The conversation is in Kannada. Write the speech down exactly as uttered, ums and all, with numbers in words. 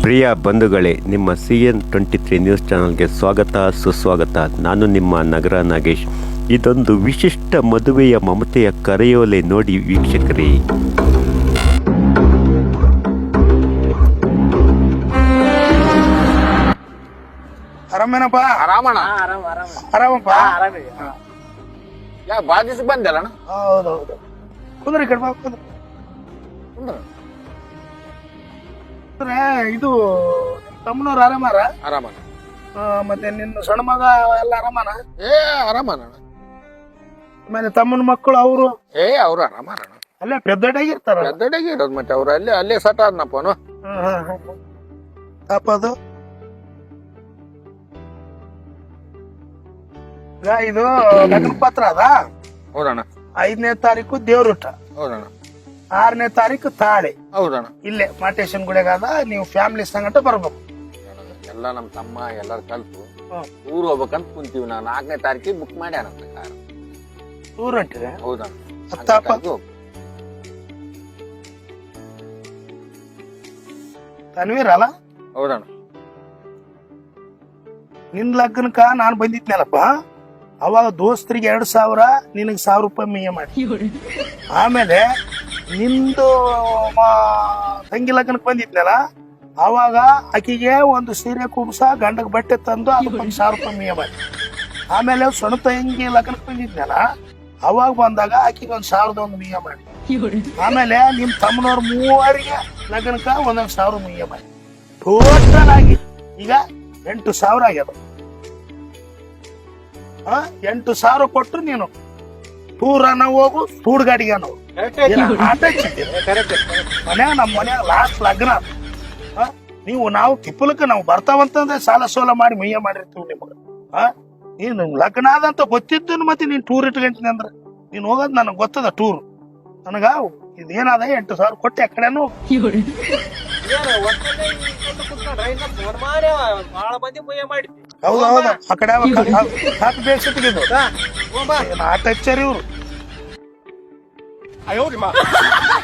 ಪ್ರಿಯ ಬಂಧುಗಳೇ, ನಿಮ್ಮ C N twenty three news ಚಾನಲ್ಗೆ ಸ್ವಾಗತ ಸುಸ್ವಾಗತ. ನಾನು ನಿಮ್ಮ ನಗರ ನಾಗೇಶ್. ಇದೊಂದು ವಿಶಿಷ್ಟ ಮದುವೆಯ ಮಮತೆಯ ಕರೆಯೋಲೆ ನೋಡಿ ವೀಕ್ಷಕರೇ. ಆರಾಮೇನಪ್ಪ? ಆರಾಮಣ್ಣ. ಆರಾಮಪ್ಪ? ಯಾ ಬಾಳ ದಿವಸ ಬಂದಲ್ಲ? ಹೌದೌದು. ಕುಂದ್ರಿ ಕಡೆ ಬಾ, ಕುಂದ್ರಿ. ಕುಂದ್ರೆ ಇದು ತಮ್ಮನವ್ರು ಆರಾಮಾರ? ಆರಾಮಣ್ಣ. ಆ, ಮತ್ತೆ ನಿನ್ನ ಸಣ್ಣ ಮಗ ಎಲ್ಲ ಆರಾಮನ? ಏ ಆರಾಮಣ್ಣ. ಆಮೇಲೆ ತಮ್ಮನ ಮಕ್ಕಳು ಅವರು ಏ ಅವ್ರು ಆರಾಮಣ್ಣ. ಅಲ್ಲೇ ಪೆದ್ದಡಾಗಿರ್ತಾರ? ಗದ್ದಡೆಗೆ ಇರೋದು ಮತ್ತೆ ಅವ್ರು ಅಲ್ಲೇ ಅಲ್ಲೇ ಸಟ್ ಆದ್ನಪ್ಪನು. ತಪ್ಪದು ಈಗ ಇದು ಲಗ್ನ ಪತ್ರ ಅದ. ಹೌದಣ್ಣ. ಐದನೇ ತಾರೀಕು ದೇವ್ರೂಟ, ಹೌದಣ್ಣ. ಆರನೇ ತಾರೀಕು ತಾಳಿ. ಹೌದಣ್ಣ. ಇಲ್ಲೇ ಮಾಟೇಶನ್ ಗುಡಿಗಾದ. ನೀವು ಫ್ಯಾಮಿಲಿ ಸಂಗಟ ಬರ್ಬೇಕು. ಎಲ್ಲ ನಮ್ ತಮ್ಮ ಎಲ್ಲಾರು ಕಲ್ತು ಹ್ಮ್. ಊರ್ ಹೋಗ್ಬೇಕಂತ ಕುಂತೀವಿ. ನಾವು ನಾಲ್ಕನೇ ತಾರೀಕಿಗೆ ಬುಕ್ ಮಾಡ್ಯಾನಂತ ಕಾರ್. ಊರ್ ಹೊಂಟಿದೆ? ಹೌದಣ್ಣ. ಹತ್ತಪ್ಪ. ತನ್ವೀರ್ ಅಲ್ಲ? ಹೌದಣ್ಣ. ನಿನ್ ಲಗ್ನಕ್ಕ ನಾನ್ ಬಂದಿದ್ನಲ್ಲಪ್ಪ, ಅವಾಗ ದೋಸ್ತರಿಗೆ ಎರಡ್ ಸಾವಿರ, ನಿನಗ್ ಸಾವಿರ ರೂಪಾಯಿ ಮಿಯ ಮಾಡಿ. ಆಮೇಲೆ ನಿಂದು ಮ- ತಂಗಿ ಲಗ್ನಕ್ ಬಂದಿದ್ನಲ್ಲ, ಅವಾಗ ಆಕಿಗೆ ಒಂದು ಸೀರೆ ಕುಬ್ಸ, ಗಂಡಗ್ ಬಟ್ಟೆ ತಂದು ಅದಕ್ಕೊಂದು ಸಾವಿರ ರೂಪಾಯಿ ಮಿಯ ಮಾಡಿ. ಆಮೇಲೆ ಸಣ್ಣ ತಂಗಿ ಲಗ್ನಕ್ ಬಂದಿದ್ನಲ್ಲ, ಅವಾಗ ಬಂದಾಗ ಆಕಿಗೆ ಒಂದ್ ಸಾವಿರದ ಒಂದು ಮಿಯ ಮಾಡಿ. ಆಮೇಲೆ ನಿಮ್ ತಮ್ಮನವ್ರ ಮೂವರಿಗೆ ಲಗ್ನಕ್ಕ ಒಂದೊಂದ್ ಸಾವಿರ ಮಿಯ ಮಾಡಿ. ಟೋಟಲ್ ಆಗಿ ಈಗ ಎಂಟು ಸಾವಿರ ಆಗ್ಯದ. ಆ, ಎಂಟು ಸಾವಿರ ಕೊಟ್ಟು ನೀನು ಟೂರನ ಹೋಗು, ಟೂರ್ ಗಾಡಿಗೆ ನಾವು ಆಟ ಮನ್ಯಾಗ ನಮ್ಮ ಮನ್ಯಾಗ ಲಾಸ್ಟ್ ಲಗ್ನ. ಆ, ನೀವು ನಾವು ತಿಪ್ಪಲಕ್ಕ ನಾವು ಬರ್ತಾವಂತಂದ್ರೆ ಸಾಲ ಸೋಲ ಮಾಡಿ ಮೈಯ ಮಾಡಿರ್ತೀವಿ ನಿಮಗ. ಆ ನೀನು ಲಗ್ನ ಆದಂತ ಗೊತ್ತಿದ್ದು ಮತ್ತೆ ನೀನ್ ಟೂರ್ ಇಟ್ಕೊಂತೀನಿ ಅಂದ್ರೆ ನೀನ್ ಹೋಗೋದ್ ನನಗ್ ಗೊತ್ತದ. ಟೂರ್ ನನಗ ಇದೇನಾದ ಎಂಟು ಸಾವಿರ ಕೊಟ್ಟೆ ಆ ಕಡೆನೂ. ಹೌದೌದ ಆ ಕಡೆ ಹಾಕಿ ಬೇಸಿಟ್ಟಿದ್ದು ಆಟ ಹಚ್ಚಾರಿ ಇವ್ರು.